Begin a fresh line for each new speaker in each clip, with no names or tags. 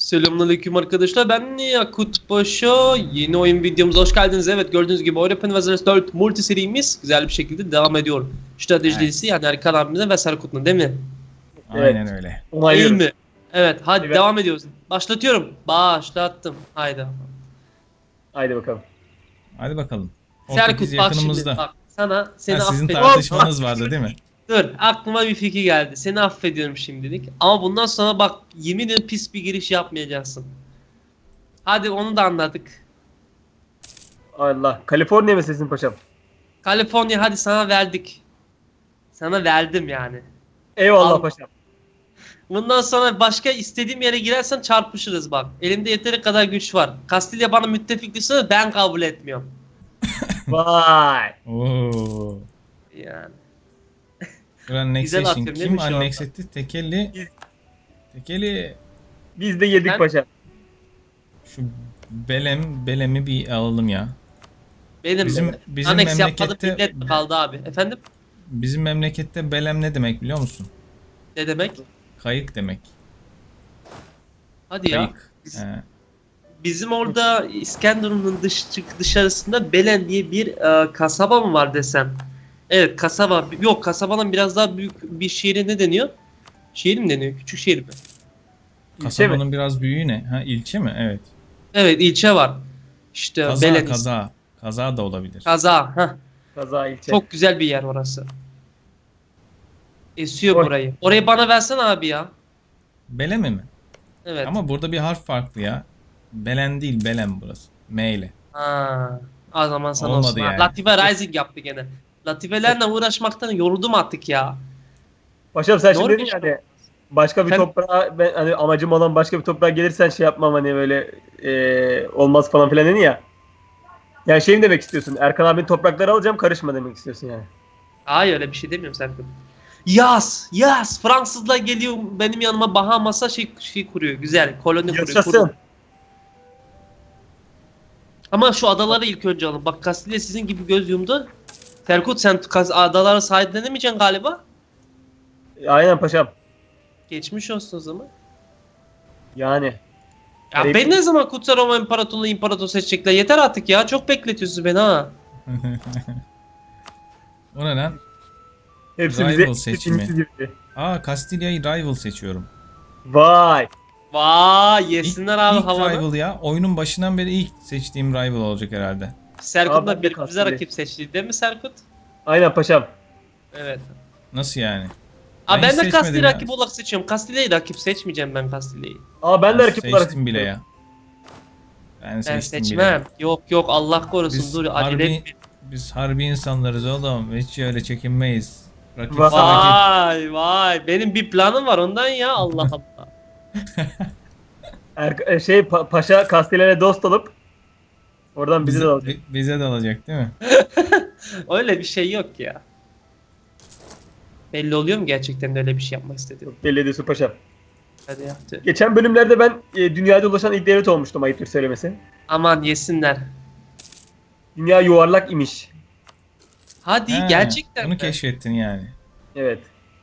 Selamünaleyküm arkadaşlar, ben Yakut Paşa. Yeni oyun videomuza hoş geldiniz. Evet, gördüğünüz gibi Open Wars 4 multi serimiz güzel bir şekilde devam ediyor. Strateji dizisi yani Erkan abimle ve Serkut'la, değil mi?
Aynen öyle.
İyi
Onaylıyorum.
mi? Evet, hadi
Evet.
devam ediyoruz. Başlatıyorum. Başlattım. Haydi.
Haydi bakalım.
Hadi bakalım. Portekiz
Serkut bak şimdi,
yakınımızda.
bak sana seni
Sizin
affediyorum.
tartışmanız vardı değil mi?
Dur, aklıma bir fikir geldi. Seni affediyorum şimdilik. Ama bundan sonra bak, yemin ederim pis bir giriş yapmayacaksın. Hadi onu da anladık.
Allah. Kaliforniya mı sesin paşam?
Kaliforniya, hadi sana verdik. Sana verdim yani.
Eyvallah
Al.
paşam.
Bundan sonra başka istediğim yere girersen çarpışırız bak. Elimde yeteri kadar güç var. Kastilya bana müttefik düşse ben kabul etmiyorum.
Vay.
Oo.
Yani.
Dur annexation.
atıyorum değil
Kim
mi şu anda?
annex etti? Tekeli.
Biz-
Tekeli.
Biz de yedik
Ben-
paşam.
Şu Belem'i bir alalım ya.
Benim
Bizim
aneks yapmadım,
memlekette-
millet mi kaldı abi? Efendim?
Bizim memlekette Belem ne demek biliyor musun?
Ne demek?
Kayık demek.
Hadi ya.
Kayık.
Biz-
He.
Bizim orada İskenderun'un dışarısında Belen diye bir kasaba mı var desem? Evet, kasaba. Yok, kasabanın biraz daha büyük bir şehri ne deniyor? Şehir mi deniyor? Küçük şehir mi?
İlçe mi?
Kasabanın biraz büyüğü ne? Ha, ilçe mi? Evet.
Evet, ilçe var. İşte
Kaza,
Belen.
kaza. Kaza da olabilir.
Kaza. Heh.
Kaza ilçe.
Çok güzel bir yer orası. Esiyor
Oy.
burayı. Orayı bana versen abi ya.
Belemi mi?
Evet.
Ama burada bir harf farklı ya. Belen değil, Belem burası. M ile.
Ha. O zaman sana
Olmadı
olsun. Ha,
yani.
Latife Rising yaptı gene. Latifelerle uğraşmaktan yoruldum artık ya.
Paşam sen şimdi
Doğru
dedin
bir
ya
şey.
hani başka bir
Efendim?
toprağa ben hani amacım olan başka bir toprağa gelirsen şey yapmam hani böyle olmaz falan filan dedin ya. Yani şey mi demek istiyorsun? Erkan abinin toprakları alacağım karışma demek istiyorsun yani.
Hayır, öyle bir şey demiyorum Serkan. Yaz, yaz. Fransızlar geliyor benim yanıma, Bahamas'a şey kuruyor. Güzel, koloni kuruyor.
Yaşasın.
Ama şu adaları ilk önce alın. Bak, Kastilya sizin gibi göz yumdu. Serkut, sen adalara sahiplenemeyeceksin galiba.
Aynen paşam.
Geçmiş olsun o zaman.
Yani.
Ya
Arayıp-
ben ne zaman Kutsal Roma İmparatorluğu imparator seçecekler? Yeter artık ya. Çok bekletiyorsunuz beni ha.
O ne lan?
Hepsi
Rival
bize
seçimi.
hepsi gibi.
Aa, Castiglia'yı rival seçiyorum.
Vay.
Vay, yesinler abi
İlk
havanı.
rival ya. Oyunun başından beri ilk seçtiğim rival olacak herhalde.
Serkut'la
Aa, ben de
birbirimize
Kastilya.
rakip seçti değil mi Serkut?
Aynen paşam.
Evet.
Nasıl yani?
Abi ben
hiç
de
seçmedim
Kastilya
ya.
rakip olarak seçiyorum. Kastilya'yı rakip seçmeyeceğim ben, Kastilya'yı.
Aa ben de
Ben
rakip olarak
seçtim bile ya. Ben
Ben
seçtim
seçmem.
bile.
Yok yok, Allah korusun,
Biz
dur acele
harbi,
etme.
biz harbi insanlarız oğlum. Hiç öyle çekinmeyiz. Rakip
Vay.
rakip.
Vay vay, benim bir planım var ondan ya, Allah Allah.
Paşa Kastilya'yla dost olup oradan bizi de alacak.
Bize de alacak değil mi?
Öyle bir şey yok ya. Belli oluyor mu gerçekten de öyle bir şey yapmak istediğim?
Belli ediyorsun paşam.
Hadi ya. Tüh.
Geçen bölümlerde ben dünyada ulaşan ilk devlet olmuştum ayıptır söylemesi.
Aman yesinler.
Dünya yuvarlak imiş.
Hadi
Ha,
gerçekten
Bunu
mi?
keşfettin yani.
Evet.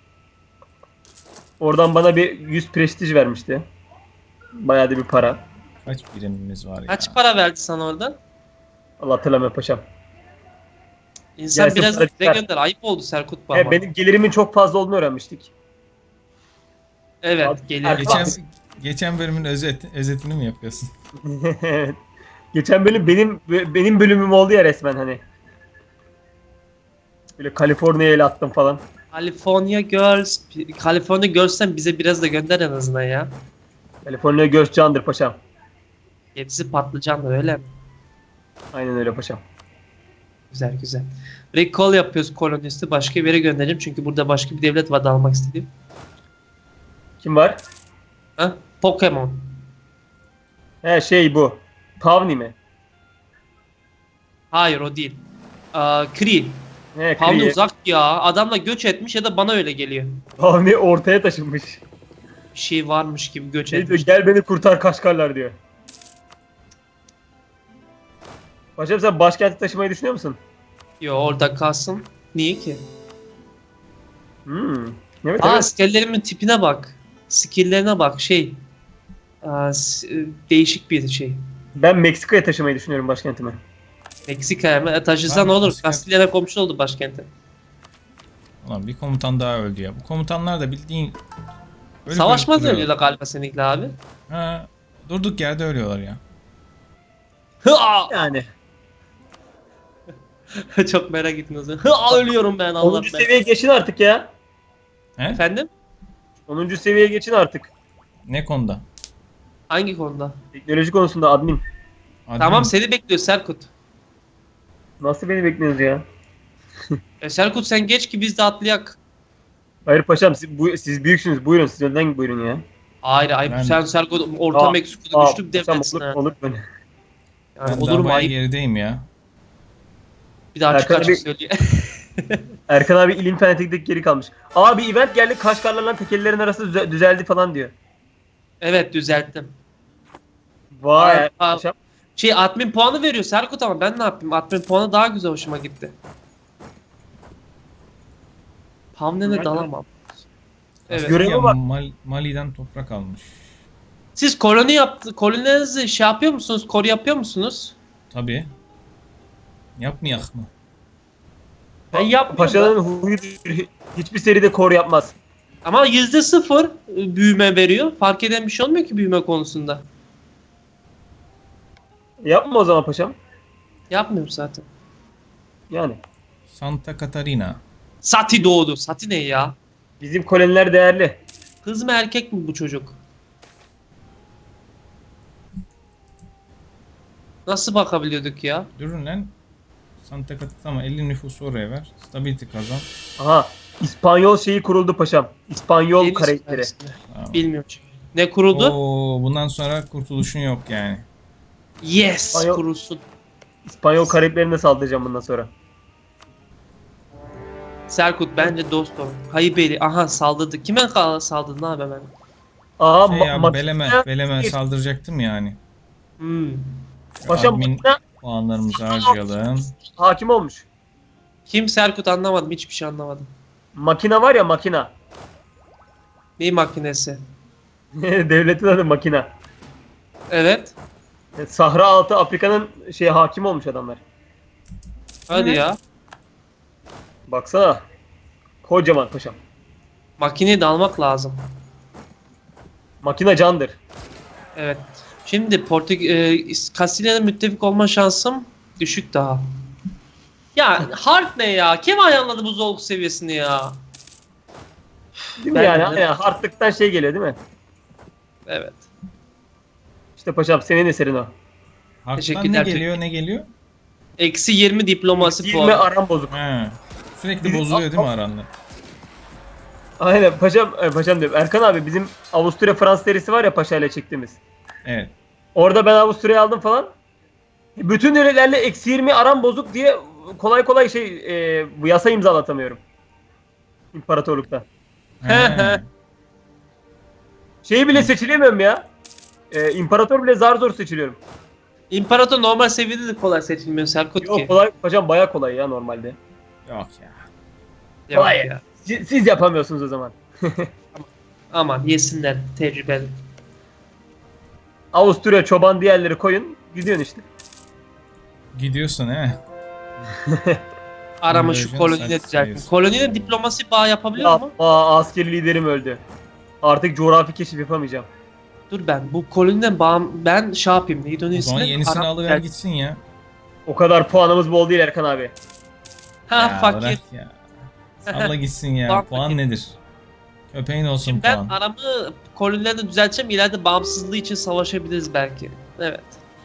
Oradan bana bir 100 prestij vermişti. Bayağı da bir para.
Kaç birimimiz var ya?
Kaç para verdi sana oradan?
Allah hatırlamıyor paşam.
İnsan
Gelsin
biraz
para
bize
çıkar.
gönder. Ayıp oldu Serkut bu ama.
Benim gelirimin çok fazla olduğunu öğrenmiştik.
Evet,
Abi,
geliyor.
Geçen bölümün özetini mi yapıyorsun?
Geçen bölüm benim bölümüm oldu ya resmen hani. Böyle Kaliforniya'ya el attım falan.
California Girls'ten bize biraz da gönder en azından ya.
Kaliforniya göz candır paşam.
Hepsi patlıcan öyle mi?
Aynen öyle paşam.
Güzel güzel. Recall yapıyoruz kolonisti. Başka bir yere göndereceğim. Çünkü burada başka bir devlet var da almak istediğim.
Kim var?
Ha? Pokemon.
He bu. Pavni mi?
Hayır, o değil. Kree.
He
Pavni
Kriye.
uzak ya. Adamla göç etmiş ya da bana öyle geliyor.
Pavni ortaya taşınmış.
Bir şey varmış gibi göç
Şey diyor,
etmiş.
gel beni kurtar Kaşgarlar diyor. Paşam sen başkenti taşımayı düşünüyor musun?
Yo, orada kalsın. Niye ki?
Evet
Aa,
evet.
askerlerimin tipine bak. Skill'lerine bak. değişik bir şey.
Ben Meksika'ya taşımayı düşünüyorum başkentimi.
Meksika'ya mı? Taşısan
Ha,
olur.
Meksika.
Kastilya'na komşu oldu başkenti.
Ulan bir komutan daha öldü ya. Bu komutanlar da bildiğin... ölüp
Savaşmaz
duruyor.
ölüyorlar galiba seninle abi.
Ha, durduk yerde ölüyorlar ya.
Hıa!
Yani.
Çok merak ettim o zaman. Hıa, ölüyorum ben Allah
10.
ben.
seviyeye geçin artık ya.
He?
Efendim?
10. seviyeye geçin artık.
Ne konuda?
Hangi konuda?
Teknoloji konusunda admin.
Admin.
Tamam seni bekliyor Serkut.
Nasıl beni bekliyorsunuz ya?
Serkut sen geç ki biz de atlayak.
Hayır paşam siz büyüksünüz. Buyurun siz önden buyurun ya.
Hayır hayır
Ben-
sen Serkut orta Meksiko'da güçlü bir
paşam
devletsin ha.
olur böyle.
Yani
Ben
olur
daha
mu
bayağı
ayıp?
gerideyim ya.
Bir daha açık
Erkan
açık
abi-
söylüyor.
Erkan abi ilim fanatiklik geri kalmış. Aa bir event geldi Kaşgarlarla tekellerin arası düzeldi falan diyor.
Evet düzelttim.
Vay
Aa,
paşam.
Admin puanı veriyor Serkut ama ben ne yapayım? Admin puanı daha güzel hoşuma gitti. Hamlene
Ben-
dalamam. Evet.
Görev-
Ya,
bak.
Mali'den toprak almış.
Siz koloninizi şey yapıyor musunuz? Koru yapıyor musunuz?
Tabii. Yapmayak mı?
Ben yapmıyorum.
Paşanın huyu hiçbir seride kor yapmaz.
Ama %0 büyüme veriyor. Fark eden bir şey olmuyor ki büyüme konusunda.
Yapma o zaman paşam.
Yapmıyorum zaten.
Yani.
Santa Catarina.
Sati doğdu. Sati ne ya?
Bizim koloniler değerli.
Kız mı erkek mi bu çocuk? Nasıl bakabiliyorduk ya?
Durun lan. Santa Catarina ama 50 nüfusu oraya ver. Stability kazan.
Aha. İspanyol şeyi kuruldu paşam. İspanyol
Deniz
karakteri.
süpersinde.
Tamam.
Bilmiyorum çünkü. Ne kuruldu?
Oo, bundan sonra kurtuluşun yok yani.
Yes
Ayol-
kurulsun.
İspanyol Karayiplerine saldıracağım bundan sonra.
Serkut bence dost olun. Haybeli. Aha saldırdı. Kime saldırdı ne haber ben?
Aa
Şey ya,
makine-
Belem'e saldıracaktım yani.
Hmm.
Paşam
Admin
makine
puanlarımızı harcayalım.
hakim olmuş.
Kim Serkut anlamadım. Hiçbir şey anlamadım.
Makina var ya makina.
Ney makinesi?
Devletin adı makina.
Evet.
Sahra altı Afrika'nın hakim olmuş adamlar.
Hadi
Evet.
ya.
Baksana. Kocaman paşam.
Makineyi de almak lazım.
Makina candır.
Evet. Şimdi Kastilya'nın müttefik olma şansım düşük daha. Ya hard ne ya? Kim ayarladı bu zorluk seviyesini ya?
Değil mi
Ben
yani?
de-
Yani hardlıktan şey geliyor değil mi?
Evet.
İşte paşam senin eserin o.
Harp'tan ne
Teşekkürler.
geliyor ne geliyor?
Eksi 20 diplomasi
20
puanı.
aram bozuk.
He. Sürekli bozuluyor değil mi aranlar?
Aynen paşam diyorum. Erkan abi bizim Avusturya Fransız serisi var ya paşayla çektiğimiz.
Evet.
Orada ben Avusturya'yı aldım falan. Bütün ülkelerle eksi 20 aram bozuk diye kolay kolay bu yasa imzalatamıyorum. İmparatorlukta.
He.
Şeyi bile seçilemiyorum ya. İmparator bile zar zor seçiliyorum.
İmparator normal seviyede de kolay seçilmiyor Serkut ki.
Yok kolay paşam baya kolay ya normalde.
Yok ya.
Yok
Vay.
ya.
Siz yapamıyorsunuz o zaman.
Aman yesinler tecrübeli.
Avusturya çoban diğerleri koyun. Gidiyorsun işte.
Gidiyorsun he.
Arama şu
Conversion
koloniyle
success
düzelttim.
sayısı.
Koloniyle diplomasi bağ yapabiliyor mu?
Askeri liderim öldü. Artık coğrafi keşif yapamayacağım.
Dur ben bu koloniden ben şey yapayım. Neydi onun
O zaman
ismi?
yenisini
Arap-
alıver gitsin ya.
O kadar puanımız bol değil Erkan abi.
Ha
Ya
fakir.
bırak ya. Salla gitsin ya.
Puan
Puan
fakir.
nedir? Köpeğin olsun
Şimdi ben
puan.
aramı kolonilerle düzelteceğim. İleride bağımsızlığı için savaşabiliriz belki. Evet.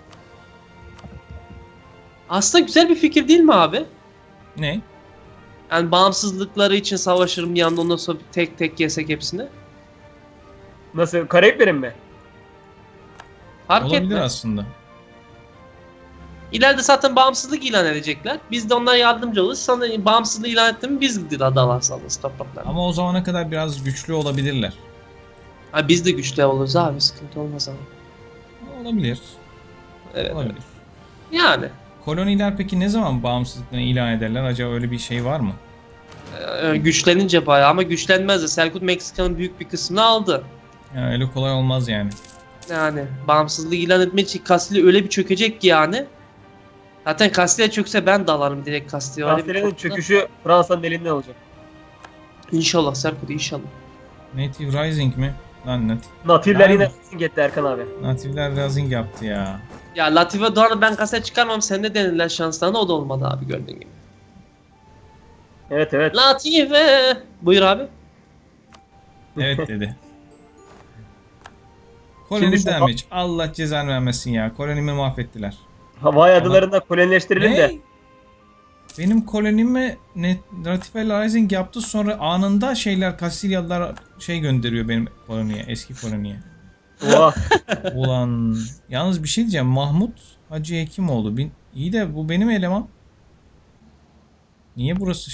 Aslında güzel bir fikir değil mi abi?
Ne?
Yani bağımsızlıkları için savaşırım bir anda ondan sonra tek tek yesek hepsini.
Nasıl? Karayiplerin mi?
Fark
Olabilir
etmez.
aslında.
İleride zaten bağımsızlık ilan edecekler. Biz de onlara yardımcı oluruz. Sonra bağımsızlığı ilan etti mi biz de dalarız alırız topraklarına.
Ama o zamana kadar biraz güçlü olabilirler.
Ha, biz de güçlü oluruz abi sıkıntı olmaz ama.
Olabilir.
Evet.
Olabilir.
Yani
Koloniler peki ne zaman bağımsızlıklarını ilan ederler? Acaba öyle bir şey var mı?
güçlenince bayağı ama güçlenmez de Selçuk Meksika'nın büyük bir kısmını aldı.
Yani öyle kolay olmaz yani.
Yani bağımsızlığı ilan etmek için Kastilya öyle bir çökecek ki yani. Zaten Kastilya çökse ben dalarım direkt Kastilya'ya. Öyle bir
Kastilya'nın
korkuda.
çöküşü Fransa'nın elinden olacak.
İnşallah Serkut inşallah.
Native Rising mi? Lan
Natifler
Yani-
yine gitti Erkan abi.
Native'ler Rising yaptı ya.
Ya Latife Doğan'ı ben kasaya çıkarmam. Sende denediler şanslarına o da olmadı abi gördüğün gibi.
Evet evet.
Latife. Buyur abi.
Evet dedi.
Şimdi
Koloni
şu-
damage. Allah cezanı vermesin ya. Kolonimi mahvettiler.
Havai adalarında kolonileştirelim de.
Ne? Benim kolonime Natife Rising yaptı, sonra anında Kastilyalılar gönderiyor benim koloniye, eski koloniye.
Oha.
Ulan yalnız bir şey diyeceğim. Mahmut Hacı Hekimoğlu. İyi de bu benim eleman. Niye burası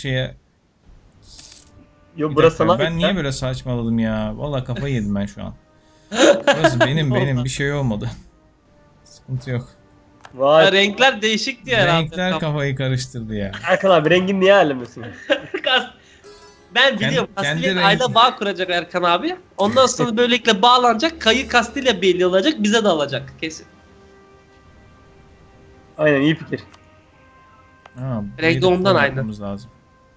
Yo
Bir
burası
dakika,
sana
ben niye böyle saçmaladım ya? Vallahi kafayı yedim ben şu an. Burası benim bir şey olmadı. Sıkıntı yok.
Vay.
Renkler değişik diye herhalde.
Renkler kafayı karıştırdı ya.
Erkan abi rengin niye ayrılmıyorsun?
Ben biliyorum
Kendi
Kastilya
rengi-
aile bağ kuracak Erkan abi. Ondan sonra böylelikle bağlanacak. Kayı Kastilya belli olacak. Bize de alacak kesin.
Aynen iyi fikir.
Ha,
Renk de
burayı da
ondan aynı.
yapmamız lazım.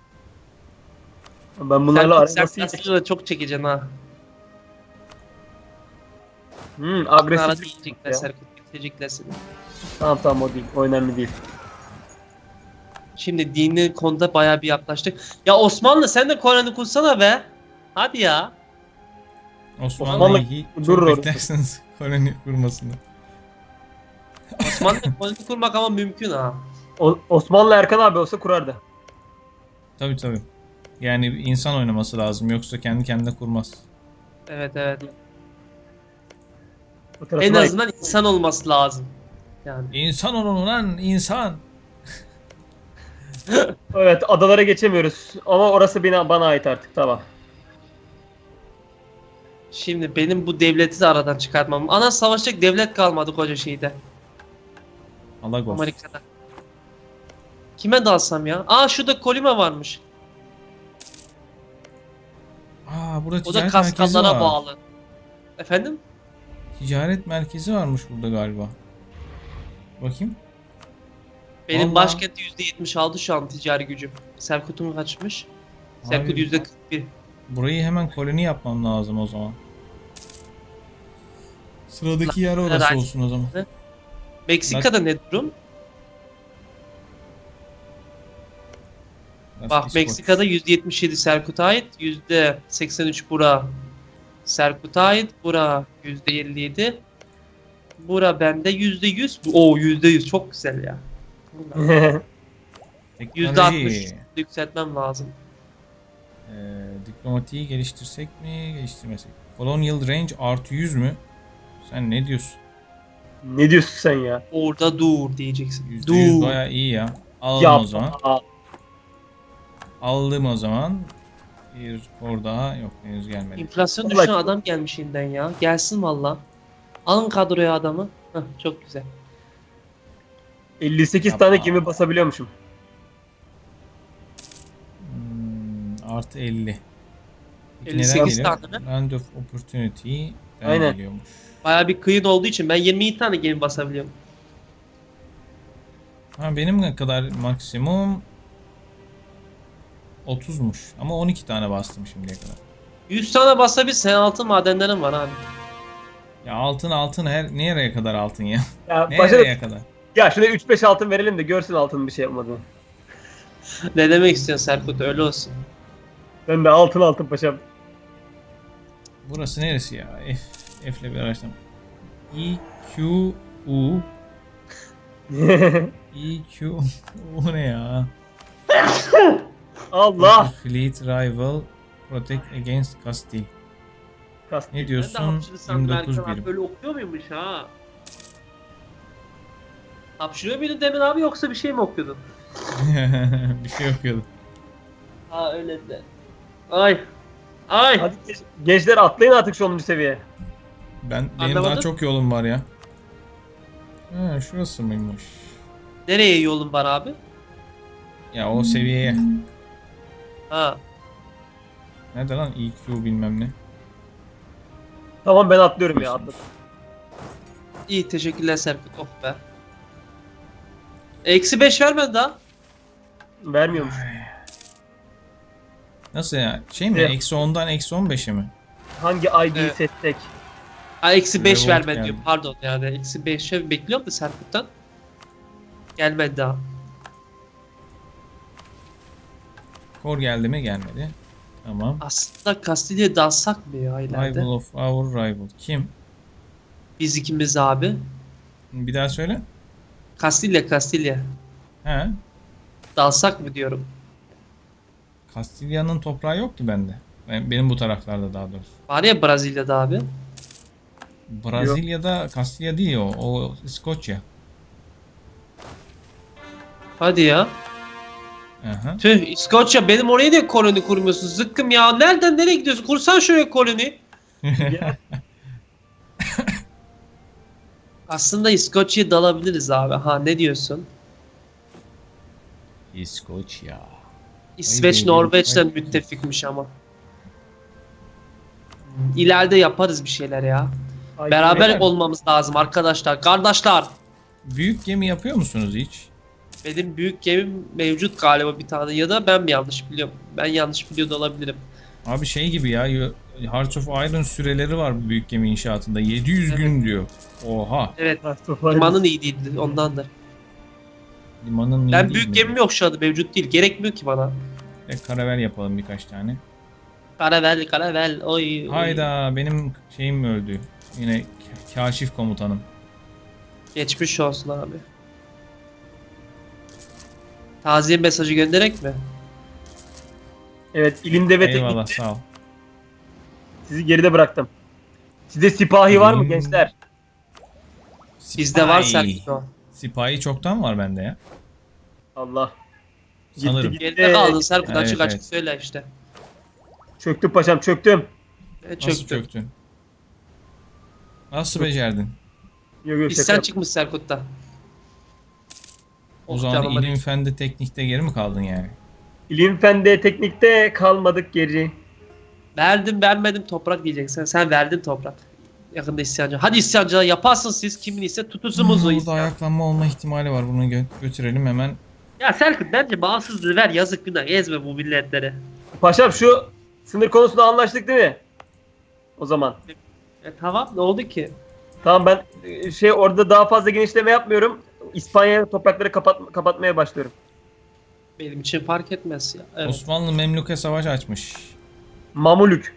Ben bunlarla
Sen
arası
Kastilya'da çok çekeceksin ha. Ara
agresif.
diyecekler
Ya.
Serkut. Bitirecekler seni.
Tamam tamam o değil. O önemli değil.
Şimdi dini konuda bayağı bir yaklaştık. Ya Osmanlı sen de Koran'ı kursana be. Hadi ya.
Osmanlı'yı
Durur
çok
orası.
beklersiniz koloni kurmasını.
Osmanlı Koran'ı kurmak ama mümkün ha.
Osmanlı Erkan abi olsa kurardı.
Tabii. Yani insan oynaması lazım, yoksa kendi kendine kurmaz.
Evet evet.
O
En
tarafına-
azından insan olması lazım. Yani.
İnsan olun lan, insan.
Evet adalara geçemiyoruz. Ama orası bana ait artık tamam.
Şimdi benim bu devleti de aradan çıkartmam. Ana savaşacak devlet kalmadı koca şeyde.
Alagos.
Amerika'da. Kime dalsam ya? Aa şurada Kolima varmış.
Burada
O da
ticaret merkezi
Kaskallara
var.
bağlı. Efendim?
Ticaret merkezi varmış burada galiba. Bakayım.
Benim
Vallahi.
başkenti %76 şu an ticari gücüm. Serkut'un kaçmış? Serkut
Abi,
%41.
burayı hemen koloni yapmam lazım o zaman. Sıradaki yer orası
Herhalde.
olsun o zaman.
Meksika'da ne durum? Bak
İskoç.
Meksika'da %77 Serkut'a ait, %83 bura Serkut'a ait, bura %57. Bura bende %100. Oo %100 çok güzel ya.
Teknoloji.
%60 yükseltmem lazım.
Diplomatiği geliştirsek mi, geliştirmesek? Colonial Range artı 100 mü? Sen ne diyorsun?
Ne diyorsun sen ya?
Orada dur diyeceksin.
%100
Dur.
bayağı iyi ya. Alalım
Yap.
o zaman. Aldım o zaman. Bir kor daha yok, henüz gelmedi.
Enflasyon
Vallahi-
düşen adam gelmiş yeniden ya. Gelsin valla. Alın kadroya adamı. Heh, çok güzel.
58
Yapma.
tane gemi basabiliyormuşum.
Artı 50. Peki
58
neden
tane
geliyor?
mi?
Land of Opportunity'den
Aynen.
geliyormuş.
Baya bir kıyın olduğu için ben 22 tane gemi basabiliyorum.
Benim ne kadar maksimum 30'muş. Ama 12 tane bastım şimdiye kadar.
100 tane basabilsen altın madenlerim var abi.
Ya altın nereye kadar altın ya?
Ya başa
Nereye kadar?
ya şuna 3-5 altın verelim de görsün altının bir şey yapmadığını.
Ne demek istiyorsun Serkut öyle olsun.
Ben de altın paşam.
Burası neresi ya? F'le bir araştırma. EQU EQU ne ya?
Allah.
Fleet Rival Protect Against Castile.
Kast.
Ne
Ben de
diyorsun?
hapşırırsam
29
Erkan abi
birim.
böyle okuyor muymuş ha? Hapşırıyor muydun demin abi yoksa bir şey mi okuyordun?
Bir şey okuyordum.
Ha öyle de. Ay. Ay.
Hadi gençler atlayın artık şu 10. seviyeye.
Benim daha
Anlamadım.
çok yolum var ya. Şurası mıymış?
Nereye yolun var abi?
Ya o seviyeye.
Ha.
Nerede lan EQ bilmem ne.
Tamam ben atlıyorum ya atladım.
İyi teşekkürler Serkut. Oh be. -5 vermedi daha.
Vermiyormuş.
Nasıl ya? Şey mi?
Evet.
-10'dan -15'e mi?
Hangi ID'yi
Evet.
seçsek?
Ha -5
Revolt
vermedi
geldi.
diyor. Pardon yani -5'e bekliyorum da Serkut'tan. Gelmedi daha.
Kor geldi mi? Gelmedi. Tamam.
Aslında Castiglia'ya dalsak mı ya ileride?
Rival of our rival. Kim?
Biz ikimiz abi.
Bir daha söyle.
Castiglia.
He.
Dalsak mı diyorum.
Kastilya'nın toprağı yok ki bende. Benim bu taraflarda daha doğrusu.
Var ya Brezilya'da abi.
Brezilya'da Kastilya değil o. O İskoçya.
Hadi ya.
Aha.
Tüh İskoçya benim oraya niye koloni kurmuyorsun? Zıkkım ya. Nereden nereye gidiyorsun? Kursan şuraya koloni.
Ya,
Aslında İskoçya'ya dalabiliriz abi. Ha ne diyorsun?
İskoçya.
İsveç
Haydi,
Norveç'ten
haydi.
müttefikmiş ama. İleride yaparız bir şeyler ya.
ay,
Beraber
neden?
olmamız lazım arkadaşlar. Kardeşler.
Büyük gemi yapıyor musunuz hiç?
Benim büyük gemim mevcut galiba bir tane ya da ben mi yanlış biliyorum? Ben yanlış biliyor da olabilirim.
Abi şey gibi ya. Hearts of Iron süreleri var bu büyük gemi inşaatında. 700 gün diyor. Oha.
Evet.
Mustafa,
Limanın iyi değildi ondandır.
Limanın iyi
Ben
değil
büyük
mi?
gemim yok şu anda mevcut değil. Gerekmiyor ki bana.
Karavel yapalım birkaç tane.
Karavel oy.
Hayda benim şeyim öldü. Yine kaşif komutanım.
Geçmiş olsun abi. Taziye mesajı gönderek mi?
Evet, ilimde ve
Eyvallah
teknikte
sağ ol.
sizi geride bıraktım. Sizde sipahi var mı
Hmm.
gençler?
Bizde var
Sipahi.
Serkut o.
Sipahi çoktan var bende ya.
Allah.
Sanırım.
Geride kaldın Serkut
Evet,
açık açık
evet.
söyle işte.
Çöktüm paşam, çöktüm.
Evet,
Nasıl
çöktü.
çöktün? Nasıl becerdin?
Yok yok, şaka
İsyan
yap-
çıkmış Serkut'ta.
O
Oh,
zaman
canıma
ilim
değil.
fende teknikte geri mi kaldın yani?
İlim fende teknikte kalmadık geri.
Verdim vermedim toprak diyeceksin. Sen verdin toprak. Yakında isyancı. Hadi isyancılar yaparsın siz kimin ise tutusumuz o
Burada
isyan.
ayaklanma olma ihtimali var. Bunu götürelim hemen.
Ya Serkut bence bağımsızlığı ver yazık günah ezme bu milletleri.
Paşam şu sınır konusunda anlaştık değil mi? O zaman.
Tamam ne oldu ki?
Tamam, ben orada daha fazla genişleme yapmıyorum. İspanya toprakları kapatmaya başlıyorum.
Benim için fark etmez ya. Evet.
Osmanlı Memlük'e savaş açmış.
Mamulük.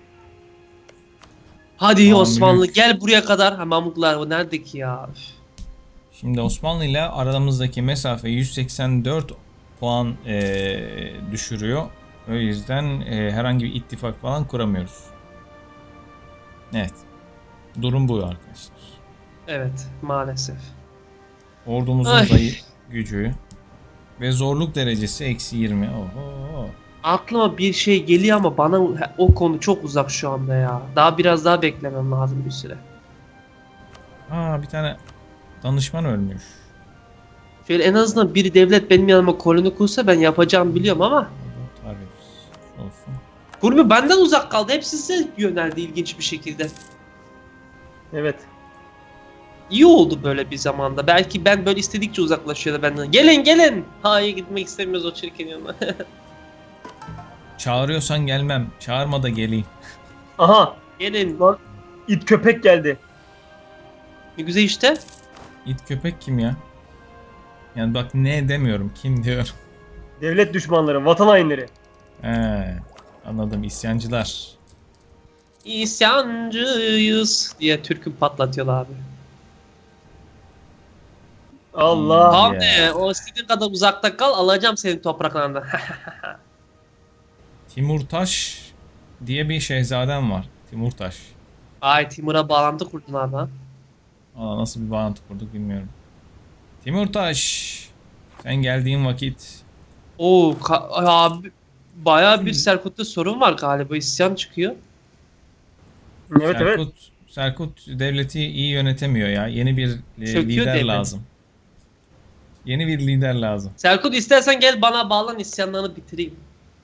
Hadi
Mamluk.
Osmanlı gel buraya kadar. Ha Mamluklar o nerede ki ya? Üf.
Şimdi Osmanlı ile aramızdaki mesafe 184 puan düşürüyor. O yüzden herhangi bir ittifak falan kuramıyoruz. Evet. Durum bu arkadaşlar.
Evet maalesef.
Ordumuzun
Ay.
zayıf gücü ve zorluk derecesi -20. Oho.
Aklıma bir şey geliyor ama bana o konu çok uzak şu anda ya. Daha biraz daha beklemem lazım bir süre.
Bir tane danışman ölmüş.
Şöyle en azından bir devlet benim yanıma koloni kursa ben yapacağımı biliyorum ama
Tarif olsun.
Kurmi benden uzak kaldı. Hepsi size yöneldi ilginç bir şekilde.
Evet.
İyi oldu böyle bir zamanda. Belki ben böyle istedikçe uzaklaşıyor da benden. Gelin. Hayır gitmek istemiyoruz o çirkin yanına.
Çağırıyorsan gelmem. Çağırma da geleyim.
Aha.
Gelin.
Lan it köpek geldi.
Ne güzel işte.
İt köpek kim ya? Yani bak ne demiyorum. Kim diyorum.
Devlet düşmanları, vatan hainleri.
He, anladım. İsyancılar.
İsyancıyız diye türkü patlatıyorlar abi.
Allah.
Tamam.
Abi o istediğin kadar uzakta kal alacağım senin topraklarından.
Timurtaş diye bir şehzadem var. Timurtaş.
Ay Timur'a bağlantı kurdun abi ha.
Nasıl bir bağlantı kurduk bilmiyorum. Timurtaş. Sen geldiğin vakit
Oo abi bayağı bir Serkut'ta sorun var galiba isyan çıkıyor.
Evet evet.
Serkut devleti iyi yönetemiyor ya. Yeni bir
Çöküyor
lider
devlet.
lazım. Yeni bir lider lazım.
Serkut istersen gel bana bağlan isyanlarını bitireyim.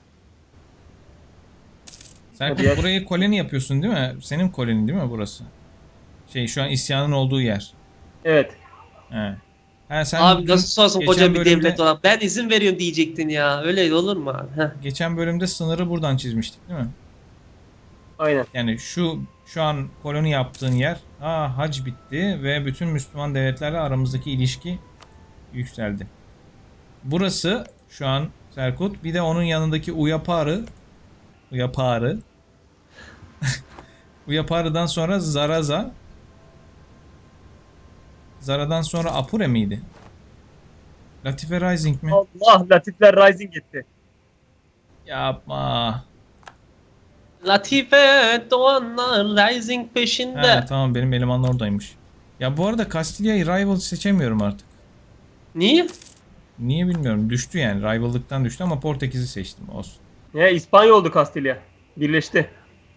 Serkut
Hadi ya.
burayı koloni yapıyorsun değil mi? Senin koloni değil mi burası? Şu an isyanın olduğu yer.
Evet.
He. Ha, sen
Abi
dün
nasıl sorsun
geçen
koca bir
bölümde-
devlet olan. Ben izin veriyorum diyecektin ya. Öyle olur mu abi? Heh.
Geçen bölümde sınırı buradan çizmiştik değil mi?
Aynen.
Yani şu an koloni yaptığın yer, hac bitti ve bütün Müslüman devletlerle aramızdaki ilişki yükseldi. Burası şu an Serkut, bir de onun yanındaki Uyaparı. Uyaparı'dan sonra Zaraza. Zara'dan sonra Apure miydi? Latife Rising mi?
Allah, Latifler Rising etti.
Yapma.
Latife Doğanlar Rising peşinde.
He, tamam, benim elemanlar oradaymış. Ya bu arada Castiglia'yı Rival seçemiyorum artık.
Niye?
Niye bilmiyorum. Düştü yani. Rival'lıktan düştü ama Portekiz'i seçtim. Olsun.
Ya İspanya oldu Kastilya. Birleşti.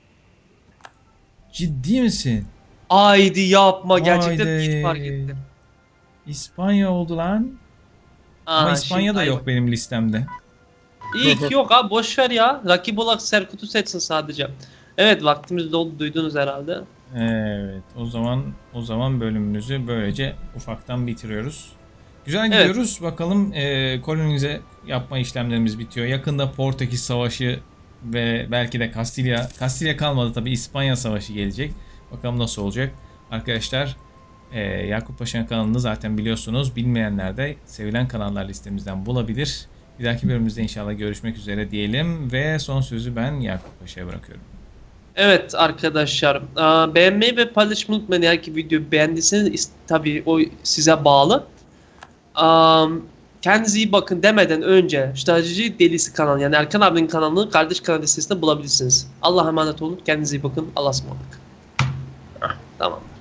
Ciddi misin?
Haydi yapma. Gerçekten
Haydi.
hiç fark ettim.
İspanya oldu lan. Ama
Aa,
İspanya da
şimdi-
yok benim listemde.
İyi yok abi boş ver ya. Rakip olarak Serkut'u seçsin sadece. Evet vaktimiz doldu duydunuz herhalde.
Evet. O zaman bölümümüzü böylece ufaktan bitiriyoruz. Güzel
Evet.
gidiyoruz. Bakalım kolonize yapma işlemlerimiz bitiyor. Yakında Portekiz Savaşı ve belki de Kastilya kalmadı tabii, İspanya Savaşı gelecek. Bakalım nasıl olacak. Arkadaşlar, Yakup Paşa'nın kanalını zaten biliyorsunuz. Bilmeyenler de sevilen kanallar listemizden bulabilir. Bir dahaki bölümümüzde inşallah görüşmek üzere diyelim ve son sözü ben Yakup Paşa'ya bırakıyorum.
Evet arkadaşlar beğenmeyi ve paylaşmayı unutmayın. Eğer ki videoyu beğendiyseniz tabii o size bağlı. Kendinize iyi bakın demeden önce Strateji Delisi kanalı yani Erkan abinin kanalını kardeş kanal listesinde bulabilirsiniz. Allah'a emanet olun. Kendinize iyi bakın. Allah'a ısmarladık. Tamam.